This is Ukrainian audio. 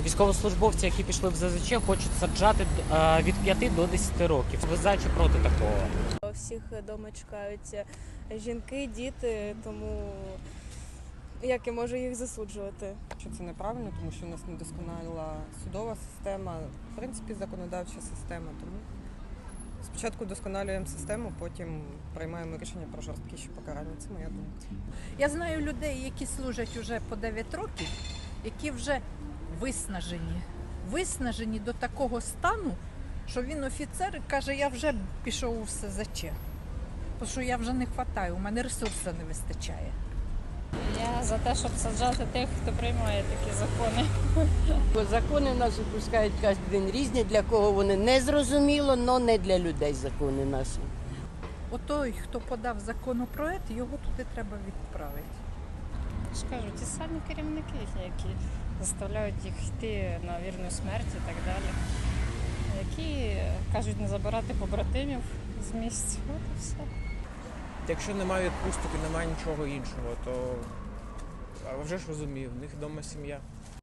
Військовослужбовці, які пішли в ЗЗЧ, хочуть саджати від 5 до 10 років. Ви за чи проти такого? Всіх вдома чекають жінки, діти, тому як я можу їх засуджувати? Що це неправильно, тому що у нас недосконала судова система, в принципі, законодавча система. Тому спочатку вдосконалюємо систему, потім приймаємо рішення про жорсткіші покарання. Це моя думка. Я знаю людей, які служать уже по 9 років, які вже виснажені до такого стану, що він офіцер і каже, я вже пішов у СЗЧ, тому що я вже не вистачаю, у мене ресурсу не вистачає. Я за те, щоб саджати тих, хто приймає такі закони. Бо закони наші пускають кожен день різні, для кого вони не зрозуміло, але не для людей закони наші. Отой, хто подав законопроект, його туди треба відправити. Я ж кажу, ті самі керівники, які заставляють їх йти на вірну смерть і так далі. Які кажуть не забирати побратимів з місць. От і все. Якщо немає відпусток і немає нічого іншого, то а вже ж розумію, в них вдома сім'я.